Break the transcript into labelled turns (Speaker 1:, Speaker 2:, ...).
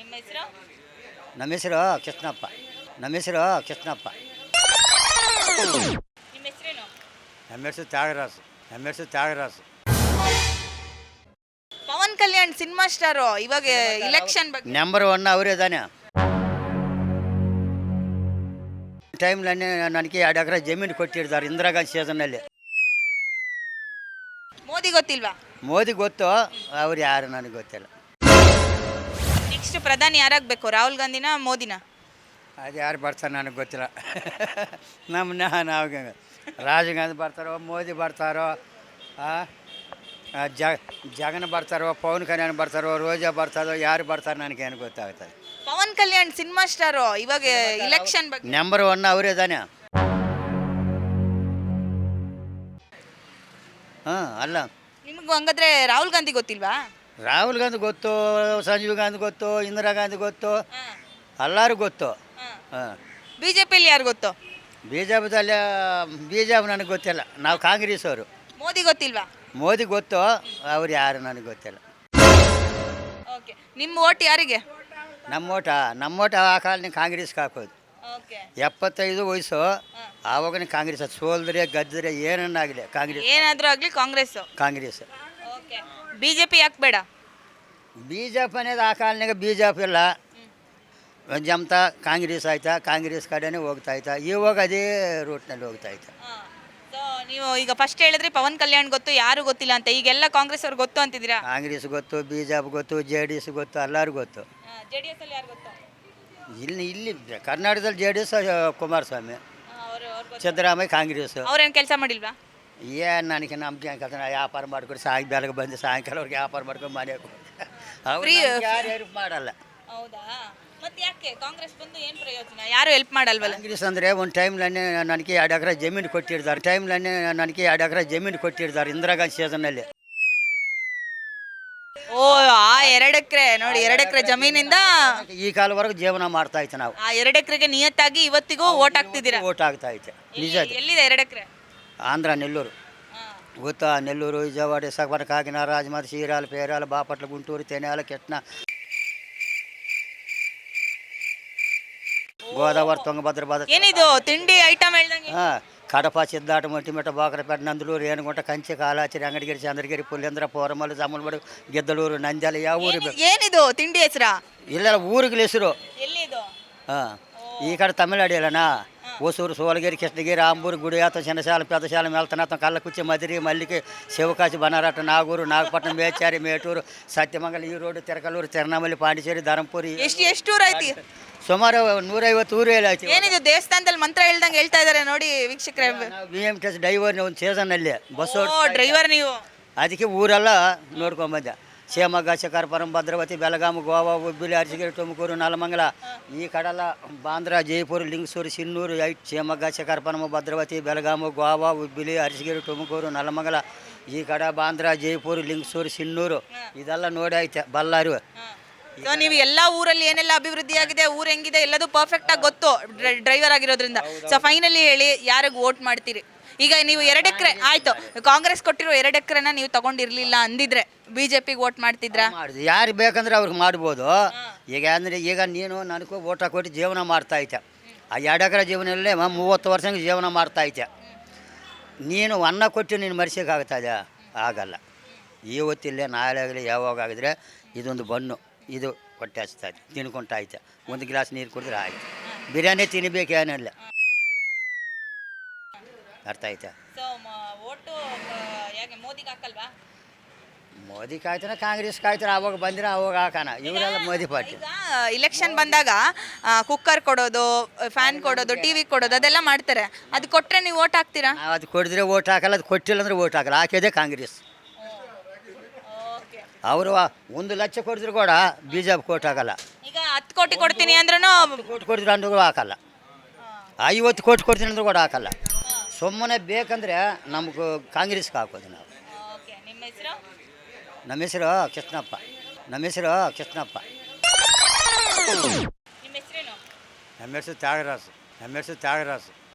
Speaker 1: ನಿಮ್ಮ ಹೆಸರು?
Speaker 2: ನಮ್ಮ ಹೆಸರು ಕೃಷ್ಣಪ್ಪ. ನಮ್ಮ ಹೆಸರು ಕೃಷ್ಣಪ್ಪ.
Speaker 1: ನಿಮ್ಮ ಹೆಸರೇನು?
Speaker 2: ನಮ್ಮ ಹೆಸರು ತ್ಯಾಗರಾಜು. ನಮ್ಮ ಹೆಸರು ತ್ಯಾಗರಾಜು.
Speaker 1: ಪವನ್ ಕಲ್ಯಾಣ್ ಸಿನಿಮಾ ಸ್ಟಾರು ಇವಾಗ ಇಲೆಕ್ಷನ್ ಬಗ್ಗೆ
Speaker 2: ನಂಬರ್ ಒನ್ ಅವರೇ ತಾನೆ. ಟೈಮ್ನಲ್ಲಿ ನನಗೆ 2 ಎಕರೆ ಜಮೀನು ಕೊಟ್ಟಿರ್ತಾರೆ ಇಂದಿರಾ ಗಾಂಧಿ ಸೀಸನ್ನಲ್ಲಿ.
Speaker 1: ಮೋದಿ ಗೊತ್ತಿಲ್ವಾ?
Speaker 2: ಮೋದಿ ಗೊತ್ತು, ಅವ್ರು ಯಾರು ನನಗೆ ಗೊತ್ತಿಲ್ಲ.
Speaker 1: ನೆಕ್ಸ್ಟ್ ಪ್ರಧಾನಿ ಯಾರಾಗಬೇಕು, ರಾಹುಲ್ ಗಾಂಧಿನ ಮೋದಿನ?
Speaker 2: ಅದು ಯಾರು ಬರ್ತಾರೆ ನನಗೆ ಗೊತ್ತಿಲ್ಲ. ನಾವು ರಾಜೀವ್ ಗಾಂಧಿ ಬರ್ತಾರೋ, ಮೋದಿ ಬರ್ತಾರೋ, ಜಗನ್ ಬರ್ತಾರೋ, ಪವನ್ ಕಲ್ಯಾಣ್ ಬರ್ತಾರೋ, ರೋಜಾ ಬರ್ತಾರೋ, ಯಾರು ಬರ್ತಾರೆ ನನಗೇನು ಗೊತ್ತಾಗ್ತದೆ.
Speaker 1: ಪವನ್ ಕಲ್ಯಾಣ್ ಸಿನಿಮಾ ಸ್ಟಾರು ಇವಾಗ ಇಲೆಕ್ಷನ್ ಬಗ್ಗೆ
Speaker 2: ನಂಬರ್ ಒನ್ ಅವರೇ ತಾನೆ. ಅಲ್ಲ
Speaker 1: ನಿಮಗೂ ಹಂಗಾದ್ರೆ ರಾಹುಲ್ ಗಾಂಧಿ ಗೊತ್ತಿಲ್ವಾ?
Speaker 2: ರಾಹುಲ್ ಗಾಂಧಿ ಗೊತ್ತು, ಸಂಜೀವ್ ಗಾಂಧಿ ಗೊತ್ತು, ಇಂದಿರಾ ಗಾಂಧಿ ಗೊತ್ತು, ಎಲ್ಲರೂ ಗೊತ್ತು.
Speaker 1: ಬಿಜೆಪಿಯಲ್ಲಿ ಯಾರು ಗೊತ್ತು?
Speaker 2: ಬಿ ಜೆ ಪಿ ನನಗೆ ಗೊತ್ತಿಲ್ಲ. ನಾವು ಕಾಂಗ್ರೆಸ್ ಅವರು.
Speaker 1: ಮೋದಿ ಗೊತ್ತಿಲ್ವಾ?
Speaker 2: ಮೋದಿ ಗೊತ್ತು, ಅವ್ರು ಯಾರು ನನಗೆ ಗೊತ್ತಿಲ್ಲ.
Speaker 1: ಓಕೆ, ನಿಮ್ಮ ಓಟ್ ಯಾರಿಗೆ?
Speaker 2: ನಮ್ಮ ಓಟ ಆ ಕಾಲಕ್ಕೆ ಕಾಂಗ್ರೆಸ್ಗೆ ಹಾಕೋದು. 75 ವಯಸ್ಸು, ಆವಾಗ ಕಾಂಗ್ರೆಸ್ ಸೋಲ್ದ್ರೆ ಗದ್ದರೆ ಏನನ್ನಾಗಲಿ ಕಾಂಗ್ರೆಸ್.
Speaker 1: ಏನಾದರೂ ಆಗಲಿ ಕಾಂಗ್ರೆಸ್. ಬಿಜೆಪಿ ಯಾಕೆ ಬೇಡ?
Speaker 2: ಬಿ ಜೆ ಪಿ అనేది ಆ ಕಾಲನಾಗ ಬಿ ಜೆ ಪಿ ಇಲ್ಲ, ಜಮತಾ ಕಾಂಗ್ರೆಸ್ ಆಯ್ತಾ, ಕಾಂಗ್ರೆಸ್ ಕಡೆನೇ ಹೋಗ್ತಾ ಇತ್ತಾ. ಇವಾಗ ಅದೇ ರೂಟ್ನಲ್ಲಿ ಹೋಗ್ತಾ ಇತ್ತು.
Speaker 1: ಸೊ ನೀವು ಈಗ ಫಸ್ಟ್ ಹೇಳಿದ್ರಿ ಪವನ್ ಕಲ್ಯಾಣ್ ಗೊತ್ತು, ಯಾರು ಗೊತ್ತಿಲ್ಲ ಅಂತ. ಈಗೆಲ್ಲ ಕಾಂಗ್ರೆಸ್ ಅವ್ರು ಗೊತ್ತು ಅಂತಿದ್ದೀರಾ?
Speaker 2: ಕಾಂಗ್ರೆಸ್ ಗೊತ್ತು, ಬಿ ಜೆ ಪಿ ಗೊತ್ತು, ಜೆ ಡಿ ಎಸ್ ಗೊತ್ತು, ಎಲ್ಲರೂ ಗೊತ್ತು.
Speaker 1: JDS ಅಲ್ಲಿ ಯಾರು ಗೊತ್ತು?
Speaker 2: ಇಲ್ಲಿ ಕರ್ನಾಟಕದಲ್ಲಿ J D S Kumaraswamy, Siddaramaiah Congress.
Speaker 1: ಅವ್ರೇನು ಕೆಲಸ ಮಾಡಿಲ್ವಾ?
Speaker 2: ಏನು ನನಗೆ ನಂಬಿಕೆ ಕೆಲಸ. ವ್ಯಾಪಾರ ಮಾಡ್ಕೊಂಡು ಬೆಳಗ್ಗೆ ಬಂದು ಸಾಯಂಕಾಲವ್ರಿಗೆ ವ್ಯಾಪಾರ ಮಾಡ್ಕೊಂಡು ಮನೆಗೆ ಅವ್ರು ಯಾರು ಹೆಲ್ಪ್ ಮಾಡಲ್ಲ.
Speaker 1: ಹೌದಾ? ಮತ್ತೆ ಯಾಕೆ ಕಾಂಗ್ರೆಸ್ ಬಂದು ಏನು ಪ್ರಯೋಜನ? ಯಾರು ಹೆಲ್ಪ್ ಮಾಡಲ್ವಲ್ಲ?
Speaker 2: ಕಾಂಗ್ರೆಸ್ ಅಂದರೆ ಒಂದು ಟೈಮ್ಲನ್ನೇ ನನಗೆ 2 ಎಕರೆ ಜಮೀನು ಕೊಟ್ಟಿರ್ತಾರೆ ಇಂದಿರಾ ಗಾಂಧಿ ಸೀಸನ್ನಲ್ಲಿ.
Speaker 1: ಓ, ಆ 2 ಎಕರೆ ನೋಡಿ, 2 ಎಕರೆ ಜಮೀನಿಂದ
Speaker 2: ಈ ಕಾಲವರೆಗೂ ಜೀವನ ಮಾಡ್ತಾ ಇತ್ತು. ನಾವು
Speaker 1: ಆ 2 ಎಕರೆಗೆ ನಿಯತ್ತಾಗಿ ಇವತ್ತಿಗೂ ಓಟ್ ಹಾಕ್ತಿದ್ದೀರಾ?
Speaker 2: ಓಟ್ ಆಗ್ತಾ ಐತೆ ನಿಜ.
Speaker 1: ಎಲ್ಲಿದೆ 2 ಎಕರೆ?
Speaker 2: ಆಂಧ್ರ ನೆಲ್ಲೂರು ಗೊತ್ತಾ? ನೆಲ್ಲೂರು, ವಿಜಯವಾಡ, ವಿಶಾಖಪಟ್ಟಣ, ಕಾಕಿನಾಡ, ರಾಜಮಹಲ್, ಚೀರಾಲ, ಪೇರಾಲ, ಬಾಪಟ್ಲ, ಗುಂಟೂರು, ತೆನೆಯಾಲ, ಕೆಟ್ನ, ಗೋದಾವರಿ, ತುಂಗಭದ್ರ,
Speaker 1: ಏನಿದು ತಿಂಡಿ ಐಟಮ್ ಹೇಳ್ದಂಗೆ?
Speaker 2: ಕಡಪ, ಸಿದ್ದಾಟ, ಮೊಟ್ಟಿಮೆಟ್ಟ, ಬಾಕರಪೇಟೆ, ನಂದಲೂರು, ಏನುಗುಂಟ, ಕಂಚೆ, ಕಾಲಾಚರಿ, ಅಂಗಡಿಗೆರೆ, ಚಂದ್ರಗಿರಿ, ಪುಲ್ಲೇಂದ್ರ, ಪೋರಮಲ್, ಜಾಮೂಲ್ಬಡು, ಗೆದ್ದಲೂರು, ನಂದ್ಯಾಲ. ಯಾವ ಊರು ಬೇಕು?
Speaker 1: ಏನಿದು ತಿಂಡಿ ಹೆಸರಾ?
Speaker 2: ಇಲ್ಲ, ಊರಿಗೆ ಹೆಸರು.
Speaker 1: ಎಲ್ಲಿದು?
Speaker 2: ಈ ಕಡೆ ತಮಿಳ್ನಾಡು ಇಲ್ಲನಾ? ಹೊಸೂರು, ಸೋಲಗಿರಿ, ಕೃಷ್ಣಗಿರಿ, ಆಂಬೂರು, ಗುಡಿಯಾತ, ಶನಶಾಲ, ಪೆದಶಾಲ, ಮೆಲ್ತನಾಥ, ಕಲ್ಲಕುಚ್ಚಿ, ಮದಿರಿ, ಮಲ್ಲಿಗೆ, ಶಿವಕಾಶಿ, ಬನರಾಟ, ನಾಗೂರು, ನಾಗಪಟ್ಟಣ, ಮೇಚಾರಿ, ಮೇಟೂರು, ಸತ್ಯಮಂಗಲ, ಈರೋಡು, ತೆರಕಲ್ಲೂರು, ತಿರುನಮಲಿ, ಪಾಂಡಿಚೇರಿ, ಧರಂಪುರಿ.
Speaker 1: ಎಷ್ಟು ಊರು ಐತಿ?
Speaker 2: ಸುಮಾರು 150 ಊರು ಆಯ್ತು.
Speaker 1: ಏನಿದು ದೇವಸ್ಥಾನದಲ್ಲಿ ಮಂತ್ರ ಹೇಳ್ದಂಗೆ ಹೇಳ್ತಾ ಇದ್ದಾರೆ ನೋಡಿ ವೀಕ್ಷಕರೇ.
Speaker 2: BMTS ಡ್ರೈವರ್ ಒಂದು ಸೀಸನ್ನಲ್ಲಿ ಬಸ್ಸು
Speaker 1: ಡ್ರೈವರ್ ನೀವು.
Speaker 2: ಅದಕ್ಕೆ ಊರೆಲ್ಲ ನೋಡ್ಕೊಂಬಂದೆ. ಶಿವಮೊಗ್ಗ, ಶಿಕಾರಪುರಂ, ಭದ್ರಾವತಿ, ಬೆಳಗಾವಿ, ಗೋವಾ, ಹುಬ್ಬಳ್ಳಿ, ಅರಸೀಕೆರೆ, ತುಮಕೂರು, ನೆಲಮಂಗಲ, ಈ ಕಡೆಲ್ಲ ಬಾಂದ್ರಾ, ಜೈಪುರ, ಲಿಂಗಸೂರು, ಸಿನ್ನೂರು, ಶಿವಮೊಗ್ಗ, ಶಿಕಾರಪುರಂ, ಭದ್ರಾವತಿ, ಬೆಳಗಾವಿ, ಗೋವಾ, ಹುಬ್ಬಳ್ಳಿ, ಅರಸೀಕೆರೆ, ತುಮಕೂರು, ನೆಲಮಂಗಲ, ಈ ಕಡೆ ಬಾಂದ್ರಾ, ಜೈಪುರ, ಲಿಂಗಸೂರು, ಸಿನ್ನೂರು, ಇದೆಲ್ಲ ನೋಡಿ ಐತೆ. ಬಳ್ಳಾರಿ.
Speaker 1: ಸೊ ನೀವು ಎಲ್ಲ ಊರಲ್ಲಿ ಏನೆಲ್ಲ ಅಭಿವೃದ್ಧಿ ಆಗಿದೆ, ಊರು ಹೆಂಗಿದೆ ಎಲ್ಲದೂ ಪರ್ಫೆಕ್ಟ್ ಆಗಿ ಗೊತ್ತು ಡ್ರೈವರ್ ಆಗಿರೋದ್ರಿಂದ. ಸೊ ಫೈನಲಿ ಹೇಳಿ, ಯಾರಿಗೆ ವೋಟ್ ಮಾಡ್ತೀರಿ? ಈಗ ನೀವು 2 ಎಕರೆ ಆಯ್ತು, ಕಾಂಗ್ರೆಸ್ ಕೊಟ್ಟಿರೋ 2 ಎಕರೆನ ನೀವು ತಗೊಂಡಿರ್ಲಿಲ್ಲ ಅಂದಿದ್ರೆ ಬಿಜೆಪಿಗೆ ವೋಟ್ ಮಾಡ್ತಿದ್ರಾ?
Speaker 2: ಯಾರು ಬೇಕಂದ್ರೆ ಅವ್ರಿಗೆ ಮಾಡ್ಬೋದು. ಈಗ ನೀನು ನನಗೂ ವೋಟ್ ಹಾಕೊಟ್ಟು ಜೀವನ ಮಾಡ್ತಾ ಐತೆ. ಆ 2 ಎಕರೆ ಜೀವನದಲ್ಲೇ 30 ವರ್ಷ ಜೀವನ ಮಾಡ್ತಾ ಐತೆ. ನೀನು ಅನ್ನ ಕೊಟ್ಟು ನೀನು ಮರ್ಸೋಕ್ಕಾಗ್ತದೆ? ಆಗಲ್ಲ. ಇವತ್ತಿಲ್ಲೇ ನಾಳೆ ಆಗಲಿ ಯಾವಾಗ ಆಗಿದ್ರೆ ಇದೊಂದು ಬಣ್ಣು, ಇದು ಹೊಟ್ಟೆ ಹಚ್ತೈತೆ, ತಿನ್ಕೊಂತಾಯ್ತೆ. ಒಂದು ಗ್ಲಾಸ್ ನೀರು ಕುಡಿದ್ರೆ ಆಯ್ತು. ಬಿರಿಯಾನಿ ತಿನ್ನಬೇಕು ಏನಿಲ್ಲ. ಅರ್ಥ ಆಯ್ತಾ? ಮೋದಿ ಕಾಯ್ತಾನೆ, ಕಾಂಗ್ರೆಸ್ ಕಾಯ್ತಾರೆ. ಅವಾಗ ಬಂದರೆ ಅವಾಗ ಹಾಕೋಣ. ಇವರೆಲ್ಲ ಮೋದಿ ಪಾರ್ಟಿ.
Speaker 1: ಇಲೆಕ್ಷನ್ ಬಂದಾಗ ಕುಕ್ಕರ್ ಕೊಡೋದು, ಫ್ಯಾನ್ ಕೊಡೋದು, TV ಕೊಡೋದು ಅದೆಲ್ಲ ಮಾಡ್ತಾರೆ. ಅದು ಕೊಟ್ಟರೆ ನೀವು ವೋಟ್ ಹಾಕ್ತೀರಾ?
Speaker 2: ಅದು ಕೊಡಿದ್ರೆ ವೋಟ್ ಹಾಕಲ್ಲ, ಅದು ಕೊಟ್ಟಿಲ್ಲ ಅಂದರೆ ವೋಟ್ ಹಾಕಲ್ಲ. ಹಾಕಿದೆ ಕಾಂಗ್ರೆಸ್. ಅವರು 1 ಲಕ್ಷ ಕೊಡಿದ್ರು ಕೂಡ BJP ಕೋಟ್ ಹಾಕಲ್ಲ.
Speaker 1: ಈಗ 10 ಕೋಟಿ ಕೊಡ್ತೀನಿ ಅಂದ್ರೂ
Speaker 2: ಕೋಟಿ ಕೊಡಿದ್ರು ಅಂದ್ರೂ ಹಾಕಲ್ಲ. 50 ಕೋಟಿ ಕೊಡ್ತೀನಿ ಅಂದ್ರೂ ಕೂಡ ಹಾಕಲ್ಲ. ಸುಮ್ಮನೆ ಬೇಕಂದರೆ ನಮಗೂ ಕಾಂಗ್ರೆಸ್ಗೆ ಹಾಕೋದು ನಾವು.
Speaker 1: ನಿಮ್ಮ ಹೆಸರು?
Speaker 2: ನಮ್ಮ ಹೆಸರು ಕೃಷ್ಣಪ್ಪ. ನಮ್ಮ ಹೆಸರು ಕೃಷ್ಣಪ್ಪ.
Speaker 1: ನಿಮ್ಮ ಹೆಸರೇನು?
Speaker 2: ನಮ್ಮ ಹೆಸರು ತ್ಯಾಗರಾಜು. ನಮ್ಮ ಹೆಸರು ತ್ಯಾಗರಾಜು.